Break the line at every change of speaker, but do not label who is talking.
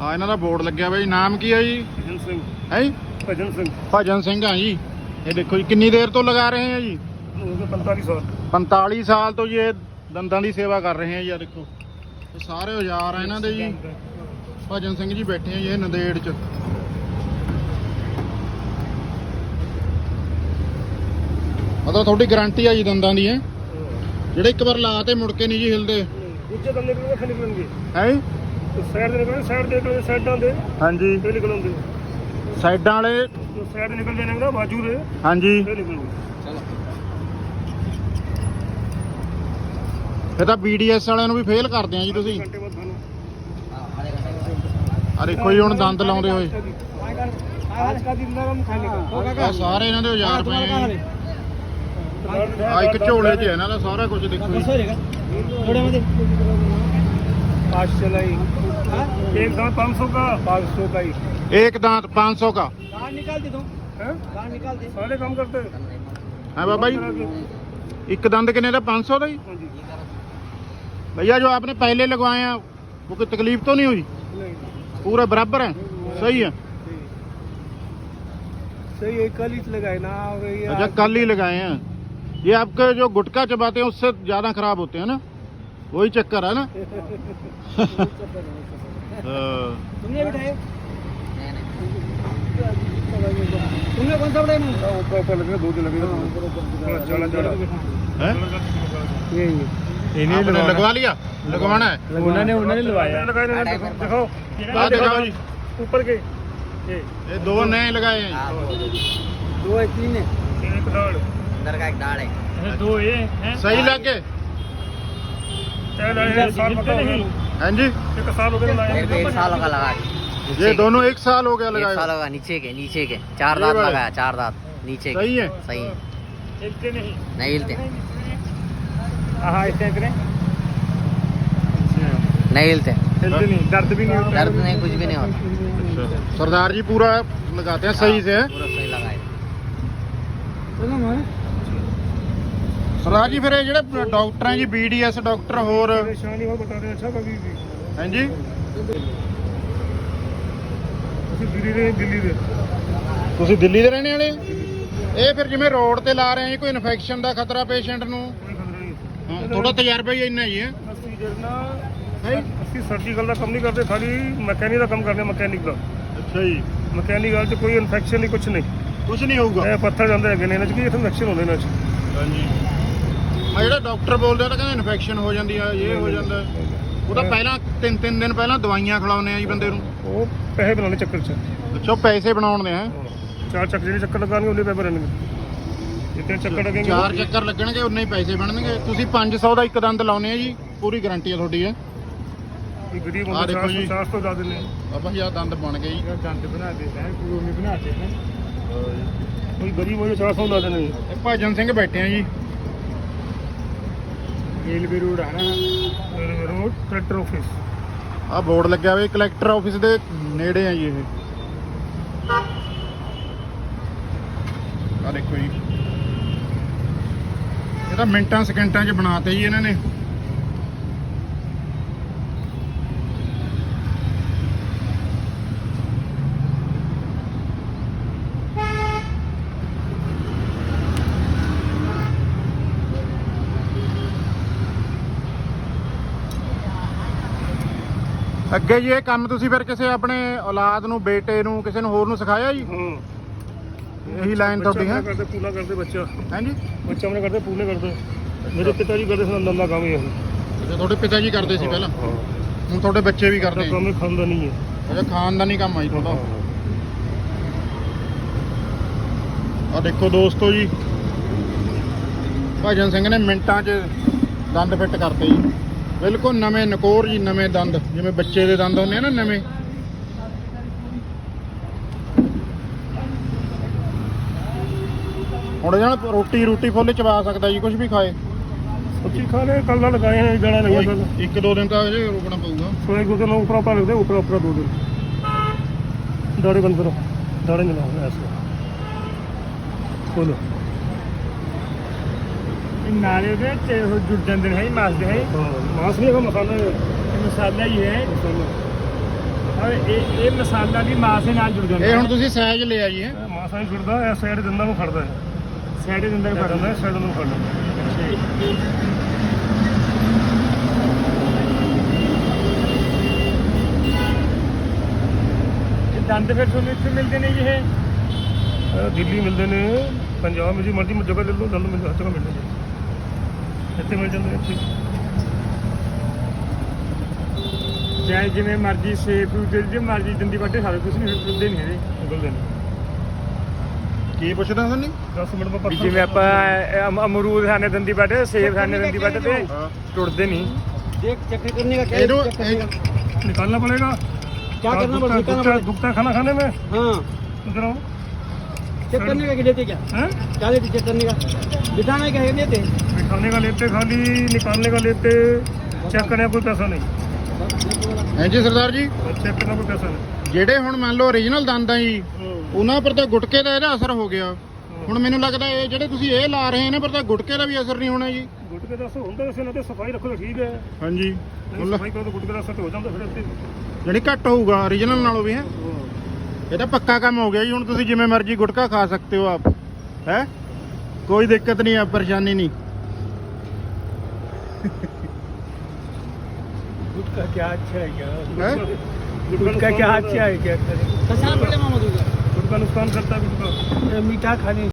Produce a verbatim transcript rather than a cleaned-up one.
हाँ इन्हों का बोर्ड लग्या भाई। नाम की है जी?
भजन सिंह।
है जी
भजन सिंह।
भजन सिंह हाँ जी। ये देखो जी कितनी देर तो लगा रहे हैं जी?
पैंतालीस साल।
पैंतालीस साल तो ये दंदां की सेवा कर रहे हैं जी। देखो ये सारे औजार हैं इन्हों जी। भजन सिंह जी बैठे हैं जी नंदेड़ च। मतलब थोड़ी गारंटी है जी दंदां दी है ਜਿਹੜੇ ਇੱਕ ਵਾਰ ਲਾ ਤੇ ਮੁੜ ਕੇ ਨਹੀਂ ਜੀ ਹਿਲਦੇ।
ਦੂਜੇ ਦੰਦੇ ਕਿਵੇਂ ਵੱਖ ਨਿਕਲਣਗੇ?
ਹੈ
ਸਾਈਡ ਦੇ ਨਿਕਲਣਗੇ, ਸਾਈਡ ਦੇ ਨਿਕਲਣਗੇ, ਸਾਈਡਾਂ ਦੇ
ਹਾਂਜੀ
ਇਹ ਨਿਕਲਣਗੇ।
ਸਾਈਡਾਂ ਵਾਲੇ
ਜੋ ਸਾਈਡ ਨਿਕਲ ਜਾਣਗੇ ਨਾ ਬਾਜੂ ਦੇ
ਹਾਂਜੀ
ਇਹ ਨਿਕਲਣਗੇ।
ਇਹ ਤਾਂ ਬੀਡੀਐਸ ਵਾਲਿਆਂ ਨੂੰ ਵੀ ਫੇਲ ਕਰਦੇ ਆ ਜੀ ਤੁਸੀਂ।
ਘੰਟੇ ਬਾਅਦ ਤੁਹਾਨੂੰ
ਆ ਦੇਖੋ ਜੀ ਹੁਣ ਦੰਦ ਲਾਉਂਦੇ ਹੋਏ
आज का दिन नरम खाने का
ਆ ਸਾਰੇ ਇਹਨਾਂ ਦੇ ਔਜ਼ਾਰ ਪਏ ਆ ਜੀ। ਆ ਇੱਕ ਝੋਲੇ 'ਚ ਹੈ ਇਹਨਾਂ ਦਾ ਸਾਰਾ ਕੁਝ ਦੇਖੋ ਜੀ।
पाँच चलाई एक दांत पाँच सौ का पाँच सौ का ही
एक दांत पाँच सौ का
निकाल दे दो निकाल दे सारे काम करते
है बाबा जी। एक दंद कितने का? पाँच सौ का ही। भैया जो आपने पहले लगवाए हैं वो कोई तकलीफ तो नहीं हुई? पूरे बराबर है? सही है
सही है। कल ही लगाए ना।
अच्छा कल ही लगाए हैं। ये आपके जो गुटखा चबाते हैं उससे ज़्यादा खराब होते हैं ना, वही चक्कर है ना।
तुमने बिठाए? तुमने कौन सा बिठाया? ऊपर ऊपर लगे दो दिन लगेगा चला चला
है
ये
इन्हीं आपने लगवा लिया? लगवाना है?
उन्होंने उन्होंने लगवाया। लगाए देखो
आ दिखाओ जी
ऊपर के ये
ये दो नए लगाए हैं।
दो है तीन है एक दाढ़
अंदर का एक दाढ़ है।
दो ये हैं
सही लगे?
साल पता नहीं
हाँ जी
एक साल हो गया
मेरे को एक साल का लगा के।
ये दोनों एक साल हो गया
एक
लगाए
साल
हुए।
होगा नीचे के नीचे के चार
ये
दांत
वाले?
लगाया चार दांत नीचे के।
सही है
सही है
हिलते नहीं
नहीं हिलते
हाँ ऐसे करें
नहीं हिलते
हिलते नहीं दर्द भी नहीं होता
दर्द नहीं कुछ भी नहीं होता।
अच्छा। सरदार जी पूरा लगाते हैं सही से है?
पूरा सही लगाए।
सरदार जी फिर ये ਜਿਹੜੇ ਡਾਕਟਰ ਹੈ ਜੀ ਬੀਡੀਐਸ ਡਾਕਟਰ ਹੋਰ
परेशानी हो बता दें अच्छा कभी भी
हैं जी
ਅਸੀਂ ਦਿੱਲੀ ਦੇ ਦਿੱਲੀ ਦੇ
ਤੁਸੀਂ ਦਿੱਲੀ ਦੇ ਰਹਿਣੇ ਵਾਲੇ? ਇਹ ਫਿਰ ਜਿਵੇਂ ਰੋਡ ਤੇ ਲਾ ਰਹੇ ਆ ਜੀ ਕੋਈ ਇਨਫੈਕਸ਼ਨ ਦਾ ਖਤਰਾ ਪੇਸ਼ੈਂਟ ਨੂੰ?
ਕੋਈ ਖਤਰਾ ਨਹੀਂ
ਹਾਂ ਥੋੜਾ ਤਜਰਬਾ ਹੀ ਇੰਨਾ ਹੀ ਹੈ।
ਅਸੀਂ ਜਿਹੜਾ ਹੈ ਅਸੀਂ ਸਰਜੀਕਲ ਦਾ ਕੰਮ ਨਹੀਂ ਕਰਦੇ ਖਾਲੀ ਮਕੈਨਿਕ ਦਾ ਕੰਮ ਕਰਦੇ ਮਕੈਨਿਕ ਦਾ।
ਅੱਛਾ ਜੀ
ਮਕੈਨਿਕ ਵਾਲ 'ਚ ਕੋਈ ਇਨਫੈਕਸ਼ਨ ਨਹੀਂ ਕੁਝ ਨਹੀਂ
ਕੁਝ ਨਹੀਂ ਹੋਊਗਾ।
ਇਹ ਪੱਥਰ ਜਾਂਦੇ ਹੈਗੇ ਨੇ ਇਹਨਾਂ 'ਚ ਕੀ ਇਨਫੈਕਸ਼ਨ ਹੁੰਦੇ ਇਹਨਾਂ 'ਚ।
ਹਾਂਜੀ ਮੈਂ ਜਿਹੜਾ ਡਾਕਟਰ ਬੋਲਦੇ ਆ ਤਾਂ ਕਹਿੰਦੇ ਇਨਫੈਕਸ਼ਨ ਹੋ ਜਾਂਦੀ ਆ ਇਹ ਹੋ ਜਾਂਦਾ। ਉਹ ਤਾਂ ਪਹਿਲਾਂ ਤਿੰਨ ਤਿੰਨ ਦਿਨ ਪਹਿਲਾਂ ਦਵਾਈਆਂ ਖਿਲਾਉਂਦੇ ਆ ਜੀ ਬੰਦੇ ਨੂੰ।
ਉਹ ਪੈਸੇ ਬਣਾਉਣੇ ਚੱਕਰ 'ਚ
ਅੱਛਾ ਪੈਸੇ ਬਣਾਉਣ ਦੇ ਹੈ।
ਚਾਰ ਚੱਕਰ ਜਿਹੜੇ ਚੱਕਰ ਲਗਾਉਣਗੇ ਉਹਨੇ ਪੈਸੇ ਬਣਨਗੇ ਜਿੱਤੇ ਚੱਕਰ ਲੱਗਣਗੇ
ਚਾਰ ਚੱਕਰ ਲੱਗਣਗੇ ਉਨੇ ਹੀ ਪੈਸੇ ਬਣਨਗੇ। ਤੁਸੀਂ ਪੰਜ ਸੌ ਦਾ ਇੱਕ ਦੰਦ ਲਾਉਨੇ ਆ ਜੀ ਪੂਰੀ ਗਾਰੰਟੀ ਆ ਤੁਹਾਡੀ ਹੈ।
ਇਹ ਗਰੀਬ
ਆਹ
ਬੰਦੇ
ਦੇਖੋ ਜੀ।
ਚਾਰ ਸੌ ਜ਼ਿਆਦਾ ਨੇ
ਬਾਬਾ ਜੀ ਆਹ ਦੰਦ ਬਣ ਗਏ ਜੀ।
ਦੰਦ ਬਣਾ ਦੇ ਹੈ ਪੂਰੇ ਨਹੀਂ ਬਣਾਤੇ ਹੈ ਕੋਈ ਗਰੀਬ ਹੋਏ ਚਾਰ ਸੌ ਲਾ ਦੇਣੇ।
ਇਹ ਭਜਨ ਸਿੰਘ ਬੈਠੇ ਆ ਜੀ
ਰੇਲਵੇ ਰੋਡ ਹੈ ਨਾ ਰੋਡ ਕਲੈਕਟਰ ਆਫਿਸ।
ਆਹ ਬੋਰਡ ਲੱਗਿਆ ਹੋਇਆ ਕਲੈਕਟਰ ਆਫਿਸ ਦੇ ਨੇੜੇ ਆ ਜੀ ਇਹ। ਆਹ ਦੇਖੋ ਜੀ ਇਹ ਤਾਂ ਮਿੰਟਾਂ ਸਕਿੰਟਾਂ 'ਚ ਬਣਾਤੇ ਜੀ ਇਹਨਾਂ ਨੇ। ਅੱਗੇ ਜੀ ਇਹ ਕੰਮ ਤੁਸੀਂ ਫਿਰ ਕਿਸੇ ਆਪਣੇ ਔਲਾਦ ਨੂੰ ਬੇਟੇ ਨੂੰ ਕਿਸੇ ਨੂੰ ਹੋਰ ਨੂੰ ਸਿਖਾਇਆ ਜੀ?
ਹਾਂ
ਇਹੀ ਲਾਈਨ ਤੁਹਾਡੀ ਹੈ?
ਕਰਦੇ ਪੂਰਾ ਕਰਦੇ ਬੱਚਾ
ਹਾਂਜੀ
ਬੱਚਾ ਆਪਣੇ ਕਰਦੇ ਪੂਰੇ ਕਰਦੇ। ਮੇਰੇ ਪਿਤਾ ਜੀ ਕਰਦੇ ਸਨ ਲੰਦਾ ਕੰਮ ਹੀ ਇਹ।
ਅੱਛਾ ਤੁਹਾਡੇ ਪਿਤਾ ਜੀ ਕਰਦੇ ਸੀ ਪਹਿਲਾਂ, ਹੁਣ ਤੁਹਾਡੇ ਬੱਚੇ ਵੀ ਕਰਦੇ ਆ?
ਕੰਮ ਹੀ ਖਾਂਦਾ ਨਹੀਂ ਹੈ।
ਅੱਛਾ ਖਾਨਦਾਨੀ ਕੰਮ ਆ ਜੀ ਤੁਹਾਡਾ। ਆ ਦੇਖੋ ਦੋਸਤੋ ਜੀ ਭਜਨ ਸਿੰਘ ਨੇ ਮਿੰਟਾਂ 'ਚ ਦੰਦ ਫਿੱਟ ਕਰਤੇ ਜੀ ਬਿਲਕੁਲ ਨਵੇਂ ਨਕੋਰ ਜੀ ਨਵੇਂ ਦੰਦ ਜਿਵੇਂ ਬੱਚੇ ਦੇ ਦੰਦ ਹੁੰਦੇ ਆ ਨਾ ਨਵੇਂ। ਹੁਣ ਇਹਨਾਂ ਰੋਟੀ ਰੋਟੀ ਫੁੱਲ ਚਬਾ ਸਕਦਾ ਜੀ ਕੁਝ ਵੀ ਖਾਏ।
ਸੱਚੀ ਖਾਣੇ ਕੱਲ ਦਾ ਲਗਾਏ हैं जड़ा लगा था
ਇੱਕ ਦੋ ਦਿਨ ਤਾਂ ਅਜੇ ਰੁਕਣਾ ਪਊਗਾ।
तो एक दो दिन ऊपर ऊपर लगते ऊपर ऊपर दो दिन दाढ़ी बंद करो दाढ़ी नहीं लगाओ ऐसे बोलो नाले ਦੇ ਤੇ ਉਹ ਜੁੜ ਜਾਂਦੇ ਨੇ ਮਾਸ ਦੇ ਹੈ ਮਾਸ ਨਹੀਂ ਹੈਗਾ ਮਸਾਲਾ ਮਸਾਲਾ ਹੀ ਹੈ ਔਰ ਇਹ ਇਹ ਮਸਾਲਾ ਵੀ ਮਾਸ ਦੇ ਨਾਲ ਜੁੜ ਜਾਂਦਾ
ਇਹ ਹੁਣ ਤੁਸੀਂ ਸਾਈਜ਼ ਲਿਆ ਜੀ ਹੈ
ਮਾਸ ਨਾਲ ਜੁੜਦਾ ਇਸ ਸਾਈਡ ਦੰਦਾਂ ਨੂੰ ਫੜਦਾ ਹੈ ਸਾਈਡ ਦੰਦਾਂ ਨੂੰ ਫੜਦਾ ਹੈ ਸਾਈਡ ਨੂੰ ਫੜਦਾ ਦੰਦ ਫਿਰ ਤੁਹਾਨੂੰ ਇੱਥੇ ਮਿਲਦੇ ਨੇ ਜੀ ਇਹ ਦਿੱਲੀ ਮਿਲਦੇ ਨੇ ਪੰਜਾਬ ਵਿੱਚ ਮਰਜ਼ੀ ਜਗ੍ਹਾ ਲੈ ਲਓ ਦੰਦ ਮਿਲ ਹਰ ਜਗ੍ਹਾ ਮਿਲਦੇ ਨੇ ਇੱਥੇ ਮਿਲ ਜਾਂਦੇ ਨੇ ਇੱਥੇ ਚਾਹੇ ਜਿਵੇਂ ਮਰਜ਼ੀ ਸੇਬ ਜੇ ਮਰਜ਼ੀ ਦੰਦੀ ਵੱਡੇ ਸਾਰੇ ਕੁਝ ਨਹੀਂ ਮਿਲਦੇ ਨਹੀਂ ਹੈਗੇ ਮਿਲਦੇ ਨੇ
ਕੀ ਪੁੱਛਦਾ ਤੁਹਾਨੂੰ
ਦਸ ਮਿੰਟ ਬਾਅਦ ਜਿਵੇਂ ਆਪਾਂ ਅਮ- ਅਮਰੂਦ ਖਾਣੇ ਦੰਦੀ ਵੱਡੇ ਸੇਬ ਖਾਣੇ ਦੰਦੀ ਵੱਡੇ ਤੇ
ਹਾਂ
ਟੁੱਟਦੇ नहीं
देख चेक करने का क्या
ਇਹਨੂੰ
चेक करने का
ਇਹ-
निकालना पड़ेगा
क्या करना पड़ेगा निकालना
दुखता
पड़ेगा
दुखता है खाना खाने में
हाँ
इधर आओ
चेक करने का क्या लेते क्या
हैं
क्या लेते चेक करने का बिठाने का है लेते
खाने का लेते खाली निकालने का लेते चेक करने का कोई पैसा नहीं
ਹਾਂਜੀ ਸਰਦਾਰ ਜੀ
चेक करने का कोई पैसा नहीं
ਜਿਹੜੇ ਹੁਣ ਮੰਨ ਲਓ ਓਰੀਜਨਲ ਦੰਦ ਆ ਜੀ ਉਹਨਾਂ ਪਰ ਤਾਂ ਗੁਟਕੇ ਦਾ ਇਹਦਾ ਅਸਰ ਹੋ ਗਿਆ ਹੁਣ ਮੈਨੂੰ ਲੱਗਦਾ ਇਹ ਜਿਹੜੇ ਤੁਸੀਂ ਇਹ ਲਾ ਰਹੇ ਨੇ ਪਰ ਤਾਂ ਗੁਟਕੇ ਦਾ ਵੀ ਅਸਰ ਨਹੀਂ ਹੋਣਾ ਜੀ
ਗੁਟਕੇ ਦਾ ਅਸਰ ਹੁੰਦਾ ਵੈਸੇ ਨਾ ਤੇ ਸਫਾਈ ਰੱਖੋ ਤਾਂ ਠੀਕ ਹੈ
ਹਾਂਜੀ
ਨਹੀਂ ਸਫਾਈ ਕਰੋ ਤਾਂ ਗੁਟਕੇ ਦਾ ਅਸਰ ਤਾਂ ਹੋ ਜਾਂਦਾ ਫਿਰ ਇੱਥੇ
ਜਿਹੜੀ ਘੱਟ ਹੋਊਗਾ ਓਰੀਜਨਲ ਨਾਲੋਂ ਵੀ ਹੈ ਇਹ ਤਾਂ ਪੱਕਾ ਕੰਮ ਹੋ ਗਿਆ ਜੀ ਹੁਣ ਤੁਸੀਂ ਜਿਵੇਂ ਮਰਜ਼ੀ ਗੁਟਕਾ ਖਾ ਸਕਦੇ ਹੋ ਆਪ ਹੈ ਕੋਈ ਦਿੱਕਤ ਨਹੀਂ ਆ ਪਰੇਸ਼ਾਨੀ ਨਹੀਂ
गुटका क्या अच्छा है क्या
है?
गुटका क्या अच्छा है क्या
कसा पड़े मामा दूंगा
गुटका नुकसान करता है गुटका
मीठा खाने